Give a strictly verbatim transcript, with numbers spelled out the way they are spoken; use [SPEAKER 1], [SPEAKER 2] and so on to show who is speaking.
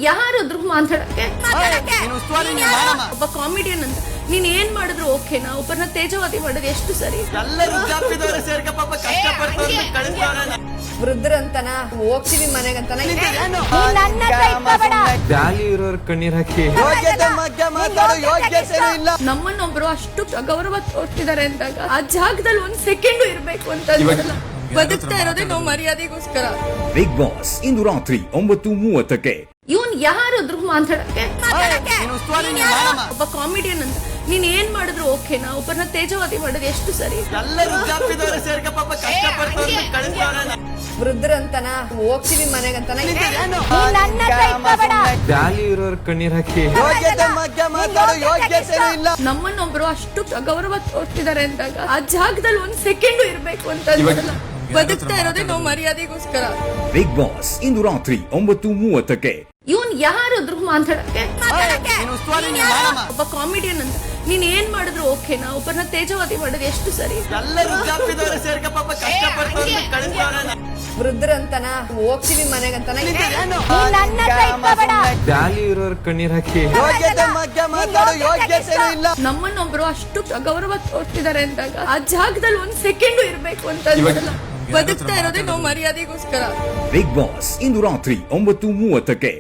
[SPEAKER 1] ಯಾರಾದ್ರೂ ಮಾತಾಡಕ್ಕೆ ಒಬ್ಬ ಕಾಮಿಡಿಯನ್ ಅಂತ ನೀನ್ ಏನ್ ಮಾಡಿದ್ರು ಓಕೆನಾ? ಒಬ್ಬರನ್ನ ತೇಜವಾದಿ ಮಾಡೋದು ಎಷ್ಟು ಸರಿ?
[SPEAKER 2] ವೃದ್ಧರಂತನ ಹೋಗ್ತೀವಿ ಮನೆಗಂತನ
[SPEAKER 3] ವ್ಯಾಲ್ಯೂ ಇರೋರ್ ಕಣ್ಣೀರ್ ಹಾಕಿ
[SPEAKER 1] ನಮ್ಮನ್ನೊಬ್ರು ಅಷ್ಟು ಗೌರವ ತೋರ್ತಿದ್ದಾರೆ ಅಂದಾಗ ಆ ಜಾಗದಲ್ಲಿ ಒಂದ್ ಸೆಕೆಂಡ್ ಇರ್ಬೇಕು ಅಂತ ಅನ್ಸಲ್ಲ. ಬದುಕ್ತಾ ಇರೋದೇ ನಾವು ಮರ್ಯಾದೆಗೋಸ್ಕರ.
[SPEAKER 4] ಬಿಗ್ ಬಾಸ್ ಇಂದು ರಾತ್ರಿ ಒಂಬತ್ತು ಮೂವತ್ತಕ್ಕೆ.
[SPEAKER 1] ಇವನ್ ಯಾರಾದ್ರೂ ಮಾತಾಡಕ್ಕೆ ಒಬ್ಬ ಕಾಮಿಡಿಯನ್ ಅಂತ ನೀನ್ ಏನ್ ಮಾಡಿದ್ರು ಓಕೆನಾ? ಒಬ್ಬರನ್ನ ತೇಜವಾದಿ ಮಾಡೋದು ಎಷ್ಟು ಸರಿ?
[SPEAKER 2] ವೃದ್ಧರಂತನ ಹೋಗ್ತೀವಿ ಮನೆಗಂತನ
[SPEAKER 3] ವ್ಯಾಲ್ಯೂ ಇರೋರ್ ಕಣ್ಣೀರ್ ಹಾಕಿ
[SPEAKER 1] ನಮ್ಮನ್ನೊಬ್ರು ಅಷ್ಟು ಗೌರವ ತೋರ್ತಿದ್ದಾರೆ ಅಂದಾಗ ಆ ಜಾಗದಲ್ಲಿ ಒಂದ್ ಸೆಕೆಂಡ್ ಇರ್ಬೇಕು ಅಂತ ಅನ್ಸಲ್ಲ. ಬದುಕ್ತಾ ಇರೋದೇ ನಾವು ಮರ್ಯಾದೆಗೋಸ್ಕರ.
[SPEAKER 4] ಬಿಗ್ ಬಾಸ್ ಇಂದು ರಾತ್ರಿ ಒಂಬತ್ತು ಮೂವತ್ತಕ್ಕೆ.
[SPEAKER 1] ಇವನ್ ಯಾರಾದ್ರೂ ಮಾತಾಡಕ್ಕೆ ಒಬ್ಬ ಕಾಮಿಡಿಯನ್ ಅಂತ ನೀನ್ ಏನ್ ಮಾಡಿದ್ರು ಓಕೆನಾ? ಒಬ್ಬರನ್ನ ತೇಜವಾದಿ ಮಾಡೋದು ಎಷ್ಟು ಸರಿ?
[SPEAKER 2] ವೃದ್ಧರಂತನ ಹೋಗ್ತೀವಿ ಮನೆಗಂತನ
[SPEAKER 3] ವ್ಯಾಲ್ಯೂ ಇರೋರ್ ಕಣ್ಣೀರ್ ಹಾಕಿ
[SPEAKER 1] ನಮ್ಮನ್ನೊಬ್ರು ಅಷ್ಟು ಗೌರವ ತೋರ್ತಿದ್ದಾರೆ ಅಂದಾಗ ಆ ಜಾಗದಲ್ಲಿ ಒಂದ್ ಸೆಕೆಂಡ್ ಇರ್ಬೇಕು ಅಂತ ಅನ್ಸಲ್ಲ. ಬದುಕ್ತಾ ಇರೋದೇ ನಾವು ಮರ್ಯಾದೆಗೋಸ್ಕರ.
[SPEAKER 4] ಬಿಗ್ ಬಾಸ್ ಇಂದು ರಾತ್ರಿ ಒಂಬತ್ತು ಮೂವತ್ತಕ್ಕೆ.